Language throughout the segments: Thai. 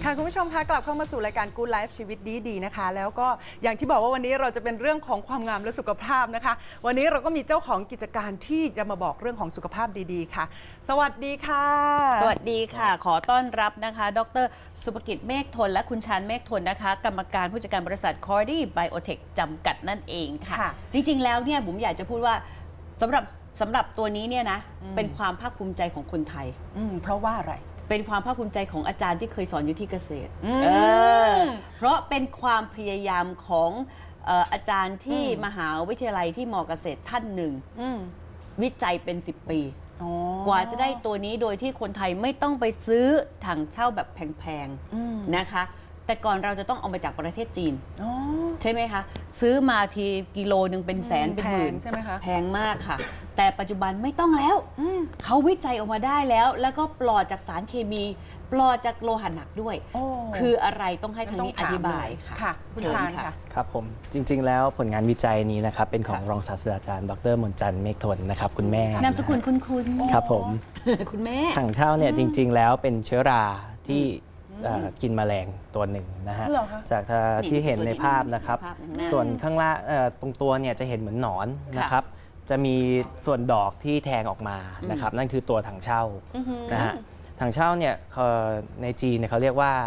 ค่ะคุณผู้ชมคะกลับเข้ามาสู่รายการ Good Life ชีวิตดีๆนะคะแล้วก็อย่างที่บอกว่าวันนี้เราจะเป็นเรื่องของความงามและสุขภาพนะคะวันนี้เราก็มีเจ้าของกิจการที่จะมาบอกเรื่องของสุขภาพดีๆค่ะสวัสดีค่ะสวัสดีค่ะขอต้อนรับนะคะดร.สุภกิจเมฆทนและคุณชาญเมฆทนนะคะกรรมการผู้จัดการบริษัท Cordy Biotech จำกัดนั่นเองค่ะจริงๆแล้วเนี่ยผมอยากจะพูดว่าสำหรับตัวนี้เนี่ยนะเป็นความภาคภูมิใจของคนไทยเพราะว่าอะไรเป็นความภาคภูมิใจของอาจารย์ที่เคยสอนอยู่ที่เกษตรเพราะเป็นความพยายามของอาจารย์ที่มหาวิทยาลัยที่มอเกษตรท่านหนึ่งวิจัยเป็น10 ปีกว่าจะได้ตัวนี้โดยที่คนไทยไม่ต้องไปซื้อถังเช่าแบบแพงๆนะคะแต่ก่อนเราจะต้องเอามาจากประเทศจีนใช่ไหมคะซื้อมาทีกิโลนึงเป็นแสนเป็นหมื่นใช่ไหมคะแพงมากค่ะแต่ปัจจุบันไม่ต้องแล้วเขาวิจัยออกมาได้แล้วก็ปลอดจากสารเคมีปลอดจากโลหะหนักด้วยคืออะไรต้องให้ทางนี้อธิบายค่ะคุณชาญค่ะครับผมจริงๆแล้วผลงานวิจัยนี้นะครับเป็นของรองศาสตราจารย์ดร.มนจันทร์เมฆทนนะครับคุณแม่นามสกุลคุณครับผมคุณแม่ถังเช่าเนี่ยจริงๆแล้วเป็นเชื้อราที่กินแมลงตัวหนึ่งนะฮะจากที่เห็นในภาพนะครับส่วนข้างล่างตรงตัวเนี่ยจะเห็นเหมือนหนอนนะครับจะมีส่วนดอกที่แทงออกมานะครับนั่นคือตัวถังเช่านะฮะถังเช่าเนี่ยในจีนเนี่ยเขาเรียกว่า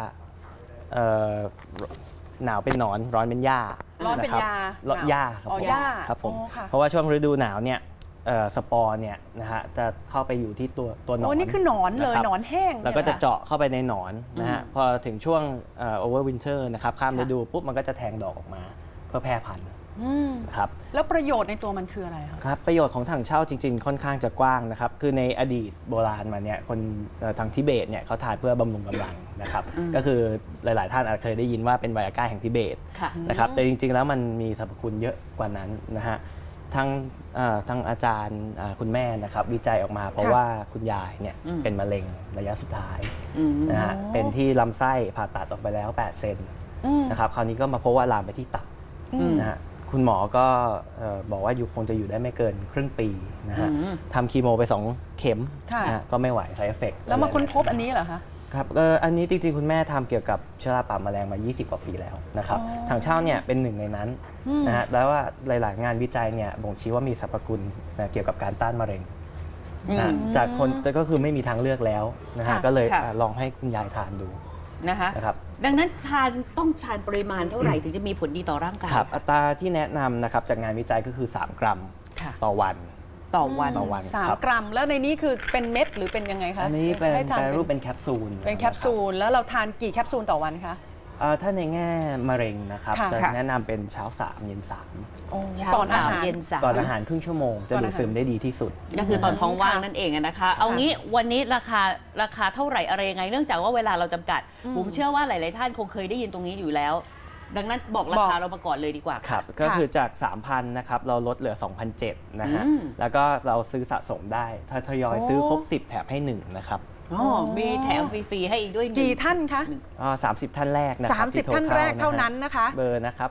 หนาวเป็นหนอนร้อนเป็นหญ้าร้อนเป็นหญ้าหญ้าครับผมเพราะว่าช่วงฤดูหนาวเนี่ยสปอร์เนี่ยนะฮะจะเข้าไปอยู่ที่ตัวหนอนนี่คือหนอนเลยหนอนแห้งแล้วก็จะเจาะเข้าไปในหนอนนะฮะพอถึงช่วงโอเวอร์วินเทอร์นะครับข้ามฤดูปุ๊บมันก็จะแทงดอกออกมาเพื่อแพร่พันธุ์ครับแล้วประโยชน์ในตัวมันคืออะไรครับประโยชน์ของถังเช่าจริงๆค่อนข้างจะกว้างนะครับคือในอดีตโบราณมาเนี่ยคนทางทิเบตเนี่ยเขาทานเพื่อบำรุงกำลังนะครับก็คือหลายๆท่านอาจเคยได้ยินว่าเป็นไวอาก้าแห่งทิเบตนะครับแต่จริงๆแล้วมันมีสรรพคุณเยอะกว่านั้นนะฮะทางอาจารย์คุณแม่นะครับวิจัยออกมาเพราะว่าคุณยายเนี่ยเป็นมะเร็งระยะสุดท้ายนะฮะเป็นที่ลำไส้ผ่าตัดออกไปแล้ว8 เซนนะครับคราวนี้ก็มาพบว่าลามไปที่ตับนะฮะคุณหมอก็บอกว่าคงจะอยู่ได้ไม่เกินครึ่งปีนะฮะทำคีโมไป2 เข็มก็ไม่ไหว side effect แล้วมาค้นพบอันนี้เหรอคะครับอันนี้จริงๆคุณแม่ทำเกี่ยวกับเชื้อราปากแมลงมา20 กว่าปีแล้วนะครับถังเช่าเนี่ยเป็นหนึ่งในนั้นนะฮะแล้วว่าหลายๆงานวิจัยเนี่ยบ่งชี้ว่ามีสรรพคุณเกี่ยวกับการต้านมะเร็งจากคนก็คือไม่มีทางเลือกแล้วนะฮะก็เลยลองให้คุณยายทานดูนะคะดังนั้นต้องทานปริมาณเท่าไหร่ถึงจะมีผลดีต่อร่างกายครับอัตราที่แนะนำนะครับจากงานวิจัยก็คือ3 กรัมต่อวัน 3 กรัมแล้วในนี้คือเป็นเม็ดหรือเป็นยังไงคะอันนี้เป็นรูปเป็นแคปซูลแล้วเราทานกี่แคปซูลต่อวันคะถ้าในแง่มะเร็งนะครับจะแนะนำเป็นเช้า3 เย็น3 ก่อนอาหารเย็น3 ก่อนอาหารครึ่งชั่วโมงจะดูดซึมได้ดีที่สุดก็คือตอนท้องว่างนั่นเองนะคะเอางี้วันนี้ราคาเท่าไหร่อะไรยังไงเนื่องจากว่าเวลาเราจำกัดผมเชื่อว่าหลายๆท่านคงเคยได้ยินตรงนี้อยู่แล้วดังนั้นบอกราคาเรามาก่อนเลยดีกว่าครับก็คือจาก 3,000 นะครับเราลดเหลือ 2,700 นะฮะแล้วก็เราซื้อสะสมได้ถ้าทยอยซื้อครบ10 แถมให้1นะครับมีแถมฟรีๆให้อีกด้วยกี่ท่านคะ 30 ท่านแรกนะครับ 30 ท่านแรกเท่านั้นนะคะเบอร์นะครับ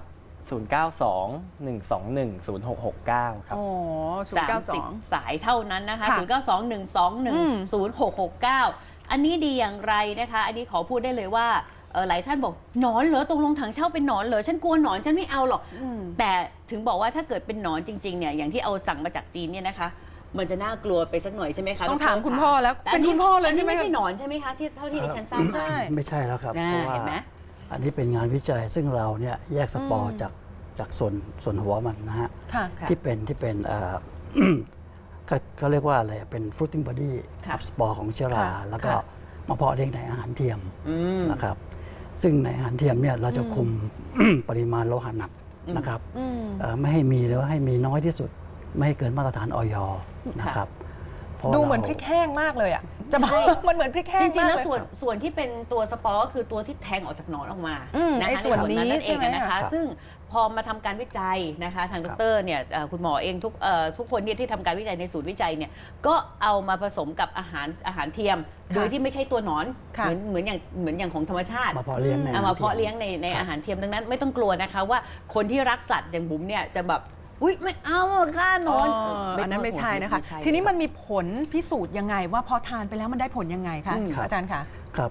0921210669 ครับ 30 สายเท่านั้นนะคะ0921210669อันนี้ดีอย่างไรนะคะอันนี้ขอพูดได้เลยว่าหลายท่านบอกหนอนเหรอตรงลงถังเช่าเป็นหนอนเหรอฉันกลัวหนอนฉันไม่เอาหรอกแต่ถึงบอกว่าถ้าเกิดเป็นหนอนจริงๆเนี่ยอย่างที่เอาสั่งมาจากจีนเนี่ยนะคะมันจะน่ากลัวไปสักหน่อยใช่ไหมคะต้องถามคุณพ่อแล้วเป็นคุณพ่อเลยไม่ใช่หนอนใช่ไหมคะที่เท่าที่ดิฉันทราบไม่ใช่แล้วครับเพราะว่าอันนี้เป็นงานวิจัยซึ่งเราเนี่ยแยกสปอร์จากส่วนหัวมันนะฮะที่เป็นเขาเรียกว่าอะไรเป็น fruiting body สปอร์ของเชื้อราแล้วก็มาเพาะเลี้ยงในอาหารเทียมนะครับซึ่งในอาหารเทียมเนี่ยเราจะคุมปริมาณโลหะหนักนะครับไม่ให้มีหรือว่าให้มีน้อยที่สุดไม่ให้เกินมาตรฐานอย.นะครับดูเหมือนพริกแห้งมากเลยอ่ะจะบอกมันเหมือนพริกแห้งจริงๆแล้วส่วนที่เป็นตัวสปอร์ก็คือตัวที่แทงออกจากหนอนออกมาในส่วนนี้นั่นเองนะคะซึ่งพอมาทำการวิจัยนะคะทางดร.เนี่ยคุณหมอเองทุกคนเนี่ยที่ทำการวิจัยในศูนย์วิจัยเนี่ยก็เอามาผสมกับอาหารเทียมโดยที่ไม่ใช่ตัวหนอนเหมือนอย่างของธรรมชาติมาเพาะเลี้ยงในอาหารเทียมดังนั้นไม่ต้องกลัวนะคะว่าคนที่รักสัตว์อย่างบุ๋มเนี่ยจะแบบอุ๊ยไม่เอาฆ่านอนอันนั้นไม่ใช่นะคะทีนี้มันมีผลพิสูจน์ยังไงว่าพอทานไปแล้วมันได้ผลยังไงคะอาจารย์คะครับ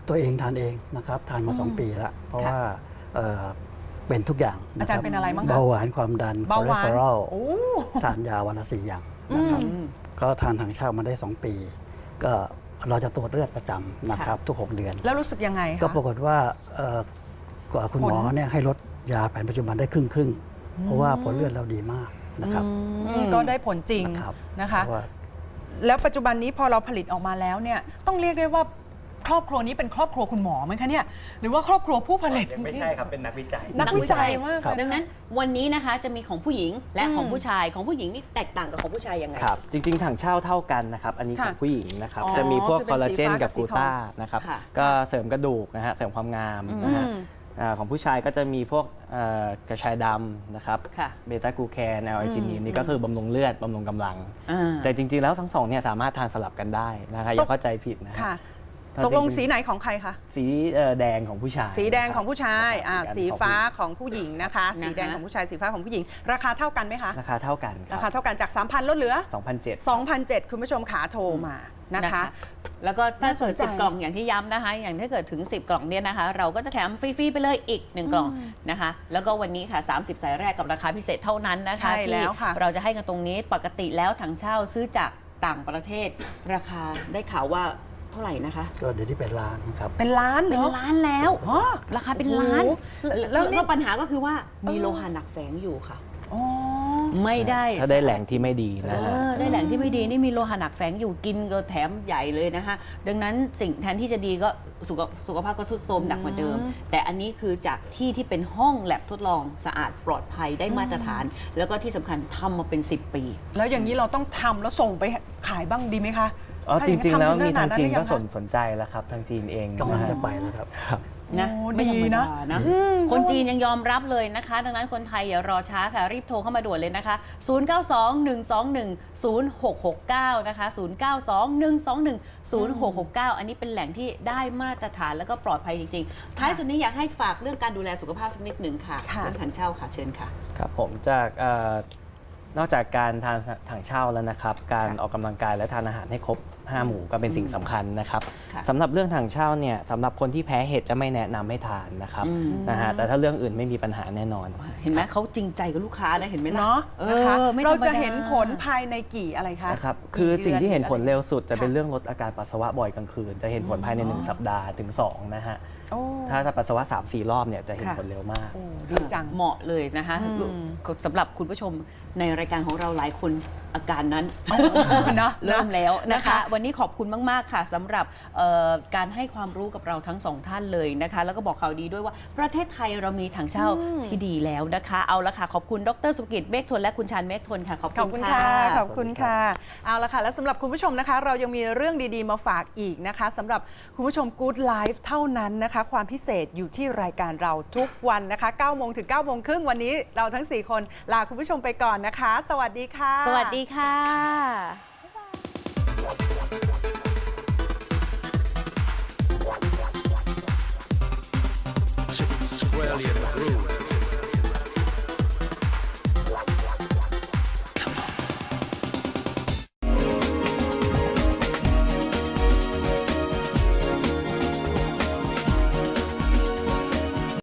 ตัวเองทานเองนะครับทานมา 2 ปีแล้วเพราะว่าเป็นทุกอย่างอาจารย์เป็นอะไรบ้างคะเบาหวานความดันคเบาอหเลสวานเตอรอลโอ้ทานยาวันละ4 อย่างนะครับก็ทานทางเช่ามาได้ 2 ปี ก็เราจะตรวจเลือดประจำนะครับทุก 6 เดือนแล้วรู้สึกยังไงคะก็ปรากฏว่ากว่าคุณหมอเนี่ยให้ลดยาแผนปัจจุบันได้ครึ่งเพราะว่าผลเลือดเราดีมากนะครับก็ได้ผลจริงนะครับนะคะเพราะว่าแล้วปัจจุบันนี้พอเราผลิตออกมาแล้วเนี่ยต้องเรียกได้ว่าครอบครัวนี้เป็นครอบครัวคุณหมอไหมคะเนี่ยหรือว่าครอบครัวผู้ผลิตยังไม่ใช่ครับเป็นนักวิจัยนักวิจัยมากครับเลยดังนั้นวันนี้นะคะจะมีของผู้หญิงและของผู้ชายของผู้หญิงนี่แตกต่างกับของผู้ชายยังไงครับ จริง ๆ ถังเช่าเท่ากันนะครับ อันนี้ของค่ะผู้หญิงนะครับอ๋อจะมีพวกคือคเป็นอลลาเจนสีฟ้ากักับบ สีกลูทองต้านะครับค่ะก็เสริมกระดูกนะฮะเสริมความงามนะฮะของผู้ชายก็จะมีพวกกระชายดำนะครับค่ะเบต้ากลูแคนแอลไอจินีนนี่ก็คือบำรุงเลือดบำรุงกำลังอ่าแต่จริง ๆ แล้วทั้งสองเนี่ยสามารถทานสลับกันได้นะคะอย่าเข้าใจผิดนะฮะค่ะตอนตกลงจริงๆสีไหนของใครคะสีแดงของผู้ชายสีแดงนะครับของผู้ชายนะครับสีฟ้าของผู้หญิงนะคะนะคะสีแดงของผู้ชายสีฟ้าของผู้หญิง ราคาเท่ากันไหมคะราคาเท่ากันครารัคาเท่ากันจาก 3,000 ลดเหลือ 2,007 2,007คุณผู้ชมขาโทรมานะคะแล้วก็ถ้าเกิดน่าสนใจ 10 กล่องอย่างที่ย้ำนะคะ อย่างถ้าเกิดถึง 10 กล่องเนี่ยนะคะ เราก็จะแถมฟรีๆไปเลยอีก 1 กล่องนะคะ แล้วก็วันนี้ค่ะ 30 สายแรกกับราคาพิเศษเท่านั้นนะคะใช่แล้วค่ะที่เราจะให้กันตรงนี้ปกติแล้วถังเช่าซื้อจากต่างประเทศ ราคาได้ข่าวว่าเท่าไหร่นะคะก็เดี๋ยวนี้เป็นล้านครับเป็นล้านเหรเป็นอล้านแล้วอ๋อราคาเป็นล้านโอ้โหแล้วนี่ก็ปัญหาก็คือว่ามีโลหะหนักแฝงอยู่ค่ะอ๋อไม่ได้ถ้าได้แหล่งที่ไม่ดีนะฮะได้แหล่งที่ไม่ดีนี่มีโลหะหนักแฝงอยู่กินก็แถมใหญ่เลยนะคะดังนั้นสิ่งแทนที่จะดีก็สุขภาพก็ทรุดโทรมหนักกว่าเดิม แต่อันนี้คือจากที่เป็นห้องแลบทดลองสะอาดปลอดภัยได้มาตรฐาน แล้วก็ที่สำคัญทำมาเป็น 10 ปีแล้วอย่างนี้เราต้องทำแล้วส่งไปขายบ้างดีไหมคะอ๋อถ้าจอย่างริง ๆ แล้วทำมีทางจีนก็ขดนั้นหรือยังคะสนใจแล้วครับทางจีนเองกำลังนะฮะจะไปแล้วครับนะโอ้ไม่ธรรมดีนะดานะคนจีนยังยอมรับเลยนะคะ ดังนั้นคนไทยอย่ารอช้าค่ะ รีบโทรเข้ามาด่วนเลยนะคะ 0921210669 นะคะ 0921210669 อันนี้เป็นแหล่งที่ได้มาตรฐานแล้วก็ปลอดภัยจริงๆ ท้ายสุดนี้อยากให้ฝากเรื่องการดูแลสุขภาพสักนิดหนึ่งค่ะค่ะเรื่องถังเช่าค่ะเชิญค่ะครับผมจากนอกจากการทานถังเช่าแล้วนะครับ การออกกำลังกายและทานอาหารให้ครบ 5 หมู่ก็เป็นสิ่งสำคัญนะครับค่ะสำหรับเรื่องถังเช่าเนี่ยสำหรับคนที่แพ้เห็ดจะไม่แนะนำให้ทานนะครับนะฮะแต่ถ้าเรื่องอื่นไม่มีปัญหาแน่นอนเห็นไหมเขาจริงใจกับลูกค้านะเห็นไหมล่ะเนาะเอนะคะอไม่ธรเรารมดาจะเห็นผลภายในกี่อะไรคะนะครับคือสิ่งที่เห็นผลเร็วสุดจะเป็นค่ะเรื่องลดอาการปัสสาวะบ่อยกลางคืน จะเห็นผลภายใน 1 สัปดาห์ถึง 2 นะฮะโอ้ถ้าปัสสาวะ 3-4 รอบเนี่ยจะเห็นค่ะผลเร็วมากโอ้ดีจังเหมาะเลยนะคะสำหรับคุณผู้ชมในรายการของเราหลายคนอาการนั้นเนอะเริ่มแล้วนะนะคะคะ วันนี้ขอบคุณมาก ๆ ค่ะสำหรับการให้ความรู้กับเราทั้งสองท่านเลยนะคะ แล้วก็บอกข่าวดีด้วยว่าประเทศไทยเรามีถังเช่าที่ดีแล้วนะคะ เอาละค่ะ ขอบคุณดรสุกิจเมฆทนและคุณชาญเมฆทนค่ะ ขอบขอบคุคุณ ณค่ะค่ะ ขอบคุณค่ะ เอาละค่ะ และสำหรับคุณผู้ชมนะคะ เรายังมีเรื่องดีๆมาฝากอีกนะคะสำหรับคุณผู้ชม Good Life เท่านั้นนะคะ ความพิเศษอยู่ที่รายการเราทุกวันนะคะ9โมงถึง9โมงครึ่งวันนี้เราทั้ง 4 คนลาคุณผู้ชมไปก่อนนะคะ สวัสดีค่ะสวัสดีค่ะ Squarely in the groove.